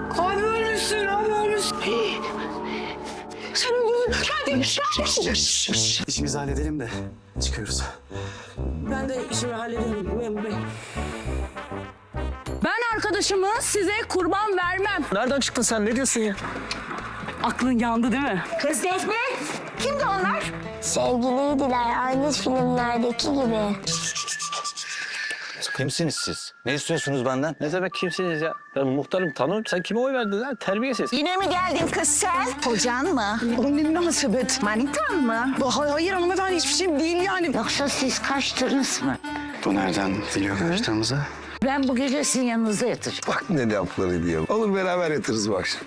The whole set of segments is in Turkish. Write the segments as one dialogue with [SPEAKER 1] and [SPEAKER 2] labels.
[SPEAKER 1] Abi ölmüşsün, abi ölmüşsün. Sen öldürdün. Hadi.
[SPEAKER 2] İşimizi halledelim de çıkıyoruz.
[SPEAKER 1] Ben de işimi hallederim memur bey.
[SPEAKER 3] Ben arkadaşımı size kurban vermem.
[SPEAKER 2] Nereden çıktın sen? Ne diyorsun ya?
[SPEAKER 3] Aklın yandı değil mi?
[SPEAKER 4] Kız Defne, kimdi onlar?
[SPEAKER 5] Sevgiliydiler, aynı filmlerdeki gibi.
[SPEAKER 6] Kimsiniz siz? Ne istiyorsunuz benden? Ne demek kimsiniz ya? Ben muhtarım, tanırım. Sen kime oy verdin lan? Terbiyesiz.
[SPEAKER 4] Yine mi geldin kız sen? Kocan mı?
[SPEAKER 1] Oğlum ne münasebet.
[SPEAKER 4] Manitan mı?
[SPEAKER 1] Hayır hanımefendi hiçbir şey değil yani.
[SPEAKER 4] Yoksa siz kaçtınız mı?
[SPEAKER 2] Bu nereden biliyor kaçtığımızı?
[SPEAKER 4] Ben bu gece sizin yanınızda yatacağım.
[SPEAKER 7] Bak ne lafları diyor. Olur beraber yatırız bu akşam.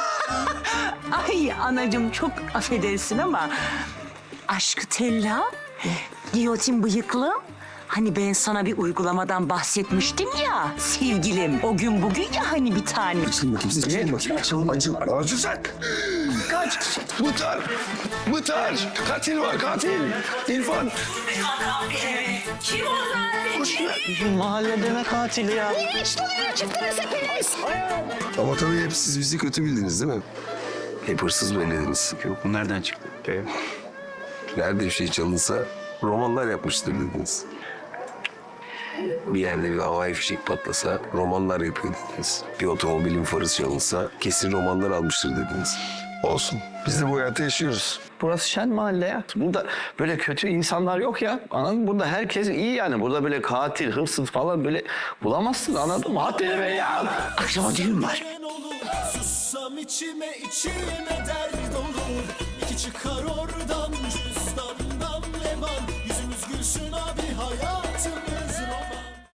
[SPEAKER 8] Ay anacığım çok affedersin ama aşkı tella, giyotin bıyıklım. Hani ben sana bir uygulamadan bahsetmiştim ya sevgilim. O gün bugün ya hani bir tane.
[SPEAKER 7] Açılın bakayım siz. Açılın bakayım. Açılın. Açıl sen. Kaç. Muhtar. Muhtar. Katil var katil. İrfan.
[SPEAKER 3] Kim o zaten?
[SPEAKER 6] Mahallede ne katili ya?
[SPEAKER 4] Hiç dolayına çıktınız hepiniz.
[SPEAKER 7] Ama tabii hep siz bizi kötü bildiniz değil mi? Hep hırsız bellediniz.
[SPEAKER 6] Yok, bu nereden çıktı?
[SPEAKER 7] Nerede bir şey çalınsa romanlar yapmıştır dediniz. Bir yerde bir havai fişek patlasa romanlar yapıyor dediniz. Bir otomobilin farı çalınsa kesin romanlar almıştır dediniz. Olsun. Biz de bu hayatı yaşıyoruz.
[SPEAKER 6] Burası şen mahalle ya. Burada böyle kötü insanlar yok ya. Anladın mı? Burada herkes iyi yani. Burada böyle katil, hırsız falan böyle bulamazsın, anladın mı? Haddini be ya.
[SPEAKER 4] Akşama düğün var.
[SPEAKER 9] Sussam içime içime dert olur. İki çıkar ortaya